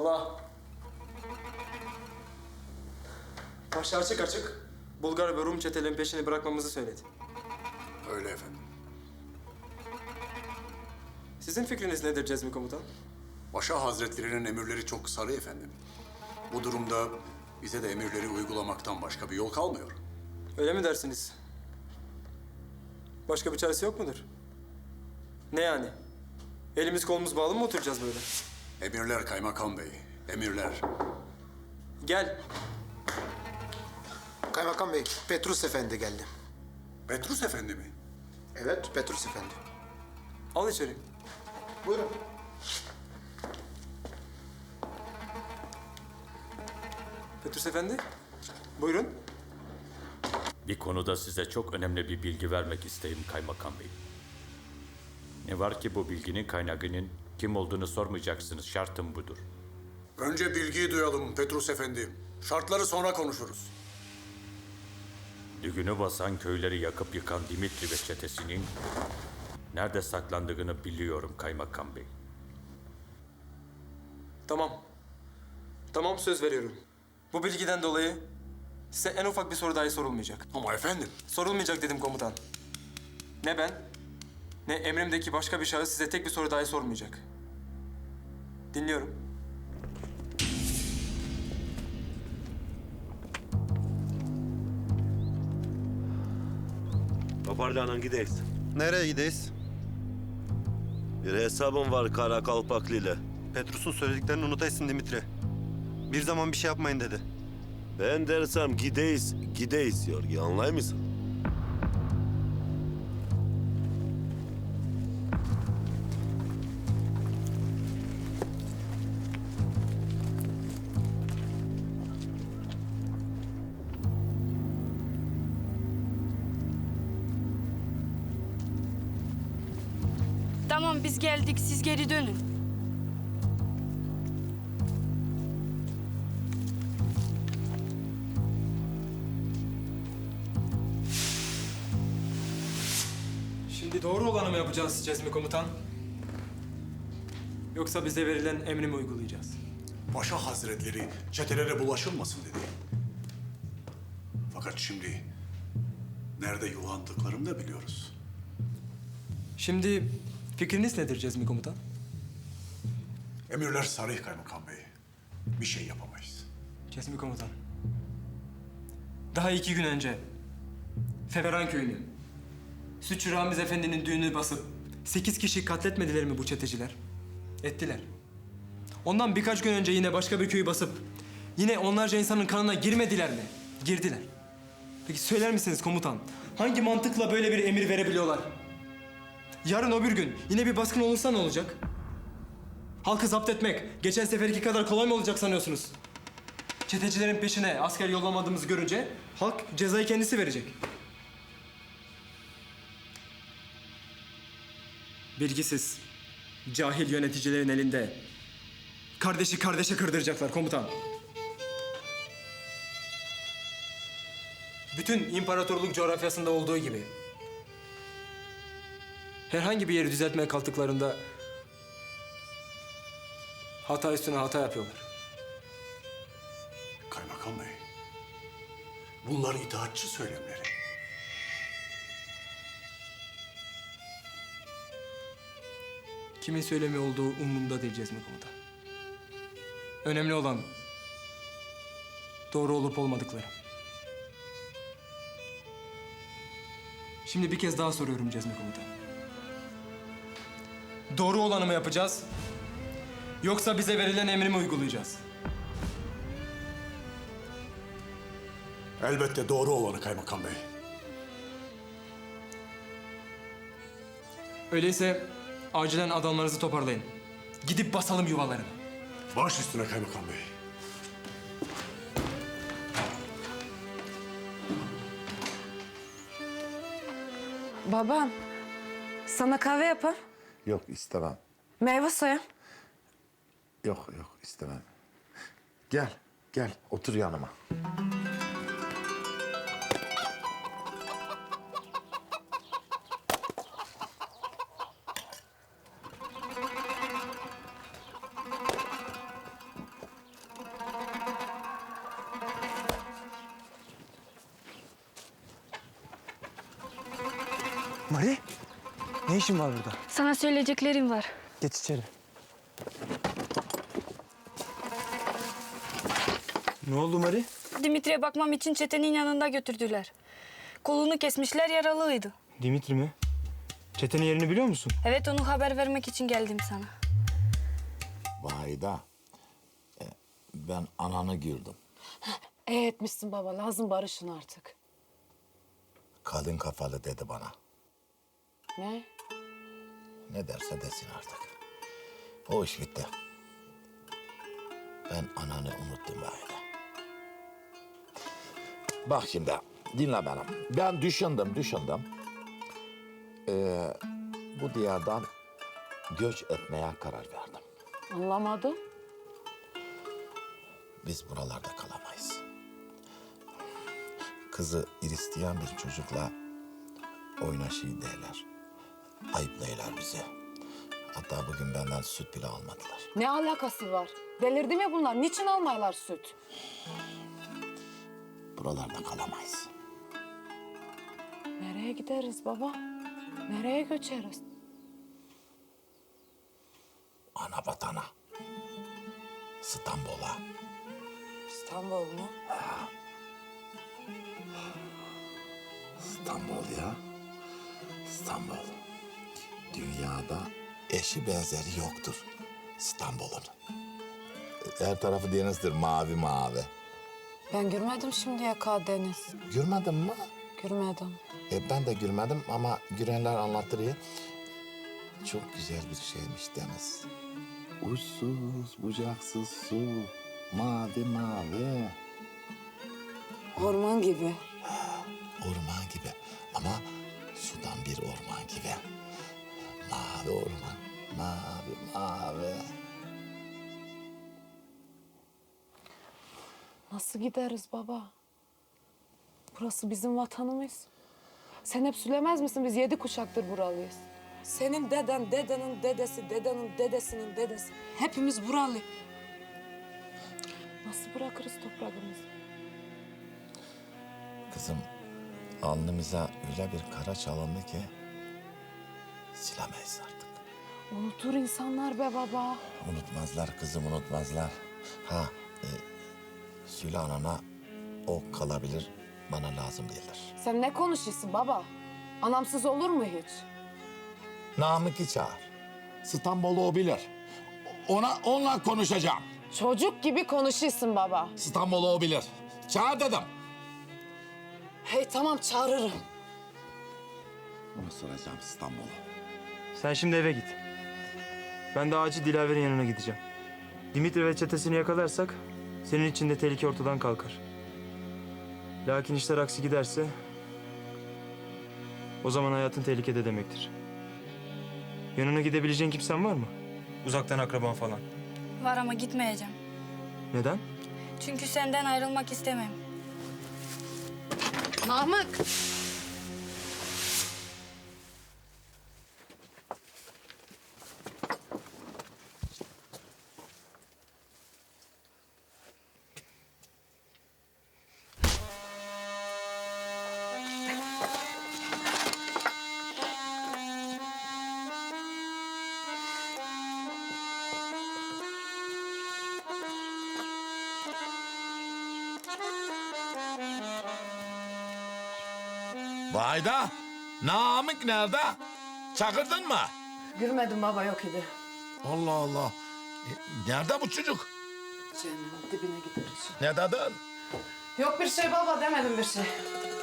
Allah. Paşa açık açık Bulgar ve Rum çetelerin peşini bırakmamızı söyledi. Öyle efendim. Sizin fikriniz nedir Cezmi Komutan? Paşa Hazretlerinin emirleri çok sarı efendim. Bu durumda bize de emirleri uygulamaktan başka bir yol kalmıyor. Öyle mi dersiniz? Başka bir çaresi yok mudur? Ne yani? Elimiz kolumuz bağlı mı oturacağız böyle? Emirler kaymakam bey, emirler. Gel. Kaymakam Bey, Petrus Efendi geldi. Petrus efendi mi? Evet, Petrus Efendi. Al içeri. Buyurun. Petrus Efendi. Buyurun. Bir konuda size çok önemli bir bilgi vermek isteyim Kaymakam Bey. Ne var ki bu bilginin kaynağının kim olduğunu sormayacaksınız. Şartım budur. Önce bilgiyi duyalım Petrus efendi. Şartları sonra konuşuruz. Düğünü basan köyleri yakıp yıkan Dimitri ve çetesinin nerede saklandığını biliyorum Kaymakam Bey. Tamam. Tamam, söz veriyorum. Bu bilgiden dolayı size en ufak bir soru dahi sorulmayacak. Ama efendim, Sorulmayacak dedim komutan. Ne ben, ne emrimdeki başka bir şahıs size tek bir soru dahi sormayacak. Dinliyorum. Toparlanın gideyiz. Nereye gideyiz? Bir hesabım var Kara Kalpaklı ile. Petrus'un söylediklerini unutaysın Dimitri. Bir zaman bir şey yapmayın dedi. Ben dersem gideyiz, gideyiz Yorgi, anlay mısın? Tamam, biz geldik, siz geri dönün. Şimdi doğru olanı mı yapacağız Cezmi Komutan? Yoksa bize verilen emri mi uygulayacağız? Paşa Hazretleri çetelere bulaşılmasın dedi. Fakat şimdi nerede yuvandıklarını da biliyoruz. Şimdi fikriniz nedir Cezmi Komutan? Emirler sarih kaymakam bey. Bir şey yapamayız. Cezmi Komutan. Daha 2 gün önce Feveran köyünü, Sütçü Ramiz Efendi'nin düğünü basıp 8 kişi katletmediler mi bu çeteciler? Ettiler. Ondan birkaç gün önce yine başka bir köyü basıp yine onlarca insanın kanına girmediler mi? Girdiler. Peki söyler misiniz komutan? Hangi mantıkla böyle bir emir verebiliyorlar? Yarın öbür gün yine bir baskın olursa ne olacak? Halkı zapt etmek geçen seferki kadar kolay mı olacak sanıyorsunuz? Çetecilerin peşine asker yollamadığımızı görünce halk cezayı kendisi verecek. Bilgisiz, cahil yöneticilerin elinde kardeşi kardeşe kırdıracaklar komutan. Bütün imparatorluk coğrafyasında olduğu gibi herhangi bir yeri düzeltmeye kalktıklarında hata üstüne hata yapıyorlar. Kaymakam bey, bunlar itaatçı söylemleri. Kimin söylemi olduğu umurumda değil Cezmi Komutan. Önemli olan doğru olup olmadıkları. Şimdi bir kez daha soruyorum Cezmi Komutan. Doğru olanı mı yapacağız? Yoksa bize verilen emri mi uygulayacağız? Elbette doğru olanı kaymakam bey. Öyleyse acilen adamlarınızı toparlayın. Gidip basalım yuvalarını. Baş üstüne kaymakam bey. Babam, sana kahve yapar. Yok istemem. Meyve soyam. Yok istemem. Gel otur yanıma. Mari, ne işin var burada? Sana söyleyeceklerim var. Geç içeri. Ne oldu Mari? Dimitri'ye bakmam için çetenin yanında götürdüler. Kolunu kesmişler, yaralıydı. Dimitri mi? Çetenin yerini biliyor musun? Evet, onu haber vermek için geldim sana. Vahide, ben ananı gördüm. Etmişsin baba. Lazım barışın artık. Kadın kafalı dedi bana. Ne? Ne derse desin artık. O iş bitti. Ben ananı unuttum Vahide. Bak şimdi, dinle beni. Ben düşündüm. Bu diyardan göç etmeye karar verdim. Anlamadım. Biz buralarda kalamayız. Kızı Hristiyan bir çocukla oynaşıyı derler. Ayıplayırlar bizi. Hatta bugün benden süt bile almadılar. Ne alakası var? Delirdi mi bunlar? Niçin almaylar süt? Buralarda kalamayız. Nereye gideriz baba? Nereye göçeriz? Ana vatana. İstanbul'a. İstanbul mu? İstanbul ya. İstanbul. Dünyada eşi benzeri yoktur İstanbul'un. Her tarafı denizdir, mavi mavi. Ben görmedim şimdiye kadar deniz. Görmedin mi? Görmedim. Ben de görmedim ama görenler anlattırıyor. Çok güzel bir şeymiş deniz. Uçsuz, bucaksız su, mavi mavi. Orman gibi. Orman gibi ama sudan bir orman gibi. Mavi orman, mavi mavi. Nasıl gideriz baba? Burası bizim vatanımız. Sen hep söylemez misin biz 7 kuşaktır buralıyız. Senin deden, dedenin dedesi, dedenin dedesinin dedesi. Hepimiz buralı. Nasıl bırakırız toprağımızı? Kızım, alnımıza öyle bir kara çalındı ki silemeyiz artık. Unutur insanlar be baba. Unutmazlar kızım, unutmazlar. Söyle anana o kalabilir, bana lazım değildir. Sen ne konuşuyorsun baba? Anamsız olur mu hiç? Namık'ı çağır. İstanbul'u o bilir. Onunla konuşacağım. Çocuk gibi konuşuyorsun baba. İstanbul'u o bilir. Çağır dedim. Hey tamam çağırırım. Ona soracağım İstanbul'u. Sen şimdi eve git. Ben de acil Dilaver'in yanına gideceğim. Dimitri ve çetesini yakalarsak senin için de tehlike ortadan kalkar. Lakin işler aksi giderse o zaman hayatın tehlikede demektir. Yanına gidebileceğin kimsen var mı? Uzaktan akraban falan. Var ama gitmeyeceğim. Neden? Çünkü senden ayrılmak istemem. Namık. Vayda, Namık nerede? Çakırdın mı? Görmedim baba yok idi. Allah Allah. Nerede bu çocuk? Cehennemin dibine gideriz. Ne dedin? Yok bir şey baba demedim bir şey.